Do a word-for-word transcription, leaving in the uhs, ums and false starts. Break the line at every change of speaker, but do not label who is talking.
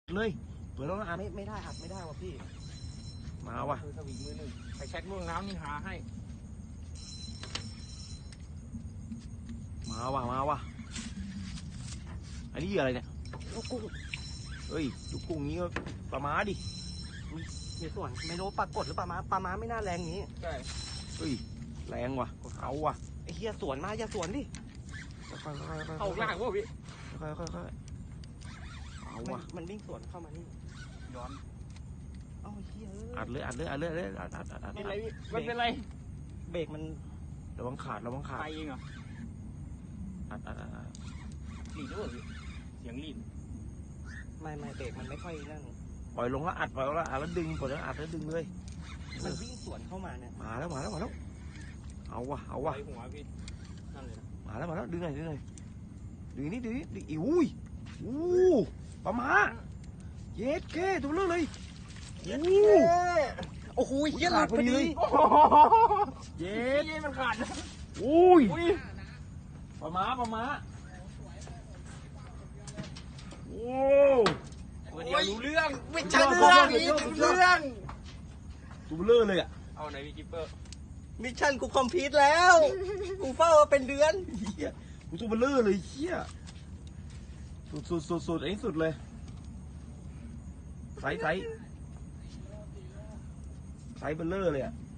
เลยเปิดแล้วนะอัด
ไม่ไม่ได้อัดไม่ได้ว่ะพี่
มาว่ะ
คือสวิงมือหนึ่งไปแช็คม่วงน้ำนี่หาให้
มาว่ะมาว่ะอันนี้เหยื่ออะไรเนี่ย
ลูกกุ้ง
เฮ้ยลูกกุ้งนี้ก็ปลาม้าดิ
มีส่วนไม่รู้ปลากดหรือปลาม้าปลาม้าไม่น่าแรงนี้ใช่
เฮ้ยแรงว่ะเอาว่ะ
ไอ้เฮียสวนมาอย่าสวนดิ
ค่อยๆค่อยๆค่อยๆ
เข้ายากวะพี่
ค่อยๆค่อยๆเอา
มัน
ว่ะ
มันวิ่งสวนเข้ามานี่ย้อนเอ้าเฮีย
อัดเลยอัดเลยอัดเลยอัดเลยอัดอัดอัดอัด
เป็นไรพี่มันเป็นไรเบรกมัน
ระวังขาดระวังขาด
ไปเองเหรอ
อัดอัดอัดอัด
หลีดด้วยเสียงหลีดไม่ไม่เบรกมันไม่ค่อยนั่น
ปล่อยลงแล้วอัดปล่อยลงแล้วอัดแล้วดึงปล่อยแล้วอัดแล้วดึงเลย
มันวิ่งสวนเข้ามาเนี่ย
มาแล้วมาแล้วมาแล้วเอาว่ะเอาว่ะ
หัวพี่นั่นเลย
มาแล้วมาแล้วดึงหน่อยดึงหน่อยดึงนี่ดึงนี่ดึงอีอุ้ยอู้ปลาหมาเย็ดเก้ตัวเลือกเลยอู้
โอ้โหเฮียหลุดพอดี
เย็ด
เฮียมันขาด
อุ้ยปลาหมาปลาหมาโอ้
เดี๋ยวรู้เรื่องไม่ใช่เรื่องนี้รู้เรื่อง
ตัวเลือกเลยอ่ะ
เอาไหนพี่กิปเปอร์มิชชั่นกูคอมพลีทแล้วกูเฝ้ามาเป็นเดือน
เฮียกูตัวเลือกเลยเฮียสุดสุดสุดสุดไอ้สุดเลยไซส์ไซส์ไซส์เบลเลอร์เลยอ่ะ